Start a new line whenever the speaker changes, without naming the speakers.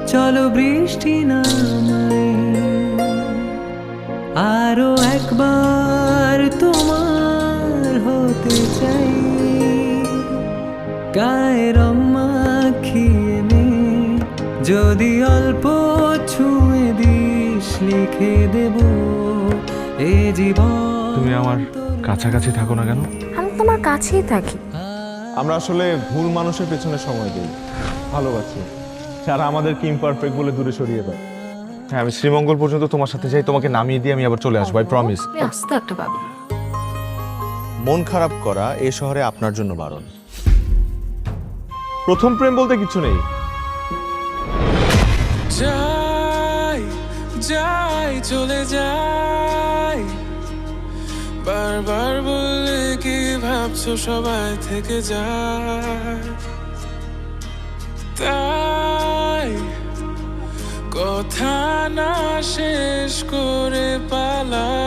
চলো বৃষ্টি নামাই, আরো একবার তোমার হতে চাই। গায়ের মাখিয়ে নে, যদি অল্প ছুঁয়ে দিস লিখে দেব এ জীবন।
তুমি আমার কাছাকাছি থাকো না কেন?
আমি তোমার কাছেই থাকি।
আমরা আসলে ভুল মানুষের পেছনে সময় দিই, ভালোবাসি, যারা আমাদেরকে ইমপারফেক্ট বলে দূরে সরিয়ে দেয়।
হ্যাঁ, আমি শ্রীমঙ্গল পর্যন্ত তোমার সাথে যাই, তোমাকে নামিয়ে দিয়ে আমি আবার চলে আসবো, আই প্রমিস।
তুমি আস্তে একটা পাবি।
মন খারাপ করা এ শহরে আপনার জন্য বারণ।
প্রথম প্রেম বলতে কিছু নেই।
যাই যাই চলে যাই, বারবার বললে কি ভাবছো সবাই থেকে যায়, তাই কথা না শেষ করে পালা